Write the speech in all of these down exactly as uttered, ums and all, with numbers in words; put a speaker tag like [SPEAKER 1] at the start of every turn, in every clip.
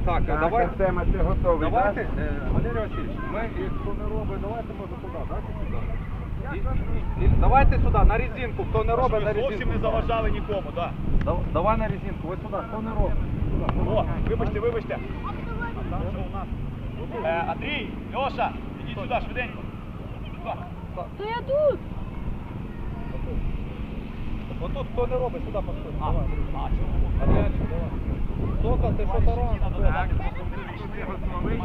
[SPEAKER 1] Так,
[SPEAKER 2] Так,
[SPEAKER 1] давайте.
[SPEAKER 2] Артема, ти готовий,
[SPEAKER 1] Давайте,
[SPEAKER 2] так?
[SPEAKER 1] е, Валерій Васильович, ми, і хто не робить, давайте може туди, дайте сюди. І, і, і, давайте сюди, на резинку, хто не робить, на
[SPEAKER 3] Щоб ви
[SPEAKER 1] резинку.
[SPEAKER 3] зовсім не заважали нікому, так.
[SPEAKER 1] Да, давай на резинку, ось сюди, хто не робить. Сюди.
[SPEAKER 3] О, вибачте, вибачте. А там що у нас? Е, Андрій, Льоша, ідіть сюди, швиденько. Сюди.
[SPEAKER 4] То я тут.
[SPEAKER 1] Отут хто не робить, сюди поставь.
[SPEAKER 3] А,
[SPEAKER 1] Давай.
[SPEAKER 3] а, чому?
[SPEAKER 1] Андрійчик, давай. Сока, ти що таран?
[SPEAKER 3] Так,
[SPEAKER 2] ти готовий?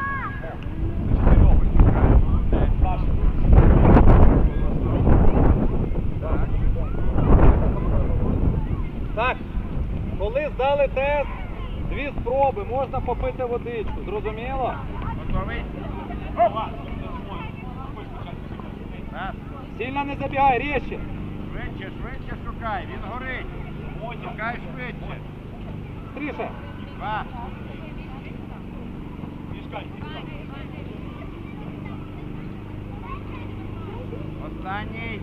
[SPEAKER 1] Так, коли здали тест, дві спроби, можна попити водичку, зрозуміло?
[SPEAKER 2] Готовий?
[SPEAKER 3] Опа!
[SPEAKER 2] Раз.
[SPEAKER 1] Сильно не забігай, різче.
[SPEAKER 2] Швидше, швидше шукай, він горить. Шукай швидше.
[SPEAKER 1] Тріше.
[SPEAKER 2] Два.
[SPEAKER 3] Мішкай.
[SPEAKER 2] Останній.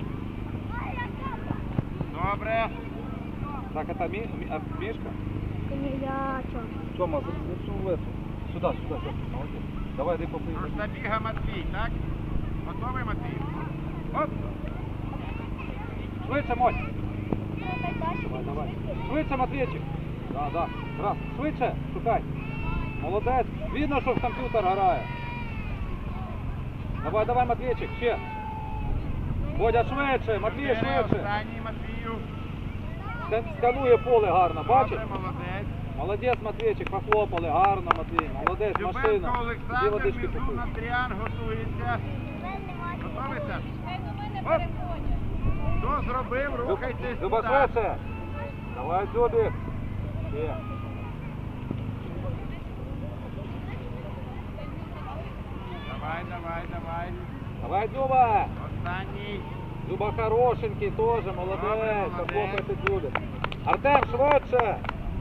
[SPEAKER 2] Добре.
[SPEAKER 1] Так, это ми, ми, а, мишка?
[SPEAKER 4] Камілячо.
[SPEAKER 1] Тёма, зайшов в эту. Сюда, сюда, сюда. Молодец. Давай, дай попий.
[SPEAKER 2] Забіга Матвій, так? Готовий, Матвій? Оп!
[SPEAKER 1] Швидше, Моть. Давай, давай. Швидше, Матвійчик. Да, да. Раз. Швидше, шукай. Молодець. Видно, що в комп'ютер грає. Давай, давай, Матвійчик, ще. Бодя, швидше, Матвій,
[SPEAKER 2] Чотири,
[SPEAKER 1] швидше.
[SPEAKER 2] Останній, Матвію.
[SPEAKER 1] Ска- Сканує поле гарно, бачиш?
[SPEAKER 2] Добре, молодець.
[SPEAKER 1] Молодець, Матвійчик, похлопали, гарно, Матвій. Молодець, машина.
[SPEAKER 2] Любенко
[SPEAKER 1] Іди
[SPEAKER 2] Олександр,
[SPEAKER 1] водички
[SPEAKER 2] Мізун
[SPEAKER 1] попий.
[SPEAKER 2] Андріан готується. Готовиться? Оп! Хто зробив, рухайтесь
[SPEAKER 1] Люба,
[SPEAKER 2] туди.
[SPEAKER 1] швидше. Давай, Дзюбік. Ще.
[SPEAKER 2] Давай, давай, давай.
[SPEAKER 1] Давай, Дзюба.
[SPEAKER 2] Останній.
[SPEAKER 1] Дзюба хорошенький теж,
[SPEAKER 2] Добре,
[SPEAKER 1] молодець.
[SPEAKER 2] молодець.
[SPEAKER 1] Похлопайте Дзюбік. Артем, швидше.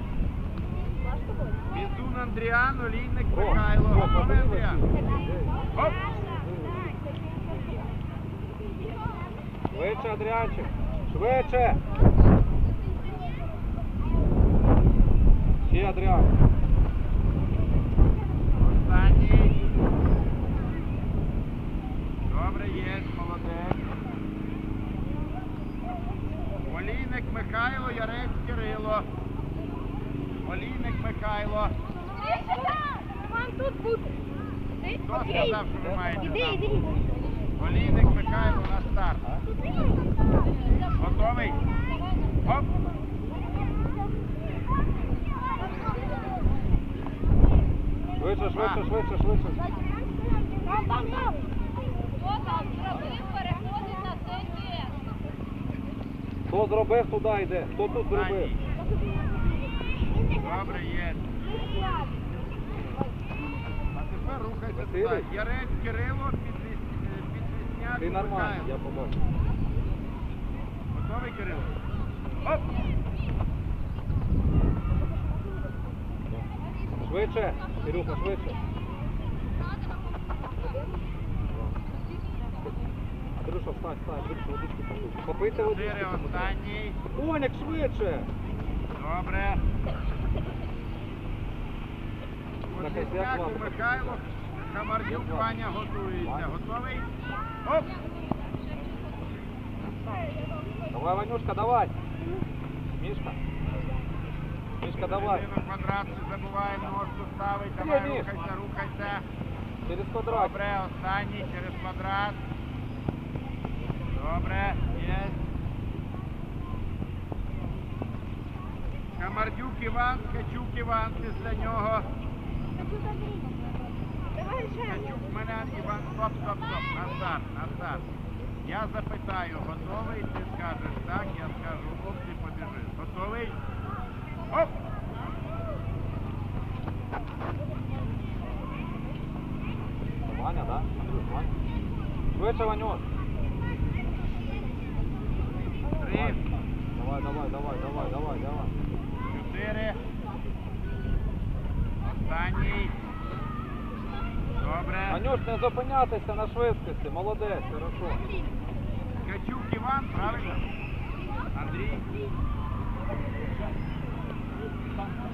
[SPEAKER 2] Мізун Андріан, Олійник
[SPEAKER 1] О,
[SPEAKER 2] Михайло.
[SPEAKER 1] о,
[SPEAKER 2] Готовий,
[SPEAKER 1] подивись.
[SPEAKER 2] Андріан? Оп!
[SPEAKER 1] Швидше, Адріанчик. Швидше. Ще, Адріан.
[SPEAKER 2] Останній. Добре, є, молодець. Олійник Михайло, Ярець Кирило. Олійник Михайло.
[SPEAKER 4] Мам, тут бути.
[SPEAKER 2] Хто сказав, що ви маєте
[SPEAKER 4] Іди,
[SPEAKER 2] там?
[SPEAKER 4] іди.
[SPEAKER 2] Олійник Михайло на старт. Готовий? Оп!
[SPEAKER 1] Швидше, швидше, швидше, швидше.
[SPEAKER 4] Там, там, там.
[SPEAKER 5] Хто там зробив, переходить на цей тест.
[SPEAKER 1] Хто зробив, туди йде. Хто тут зробив?
[SPEAKER 2] Останній. Добре, є. А тепер рухайте
[SPEAKER 1] Василій?
[SPEAKER 2] туди. Ярець Кирило, Підвіс- е, Підвісняк
[SPEAKER 1] Ти нормально, я
[SPEAKER 2] Михайло.
[SPEAKER 1] побачив.
[SPEAKER 2] Готовий, Кирило? Оп!
[SPEAKER 1] Швидше, Кирюха, швидше. Андрюша, встань, встань, швидше, водички попий. Попийте водички.
[SPEAKER 2] Чотири, останній.
[SPEAKER 1] Коняк, швидше.
[SPEAKER 2] Добре.
[SPEAKER 1] Так, як
[SPEAKER 2] Підвісняк
[SPEAKER 1] вам?
[SPEAKER 2] Михайло, Хамардюк
[SPEAKER 1] Як вам?
[SPEAKER 2] Ваня готується. Готовий? Оп!
[SPEAKER 1] Давай, Ванюшка, давай. Мишка. Мишка, давай.
[SPEAKER 2] Середину квадрат, не забувай, ножку ставить.
[SPEAKER 1] Є,
[SPEAKER 2] Давай,
[SPEAKER 1] Міш.
[SPEAKER 2] рухайся, рухайся.
[SPEAKER 1] Через квадрат.
[SPEAKER 2] Добре, останній через квадрат. Добре, є. Камардюк Іван, Ткачук Іван після нього. Ткачук мене, Іван, стоп, стоп, стоп, на старт, на старт. Я запитаю, готовий? Ти скажеш так, я скажу оп, ти побіжиш. Готовий? Оп!
[SPEAKER 1] Ваня, да? Андрюш, Ваня. Швидше, Ванюш.
[SPEAKER 2] Три,
[SPEAKER 1] Давай, давай, давай, давай, давай, давай.
[SPEAKER 2] чотири. Останній. Добре.
[SPEAKER 1] Ванюш, не зупинятися на швидкості. Молодець, хорошо.
[SPEAKER 2] Ткачук Іван, правильно? Андрій.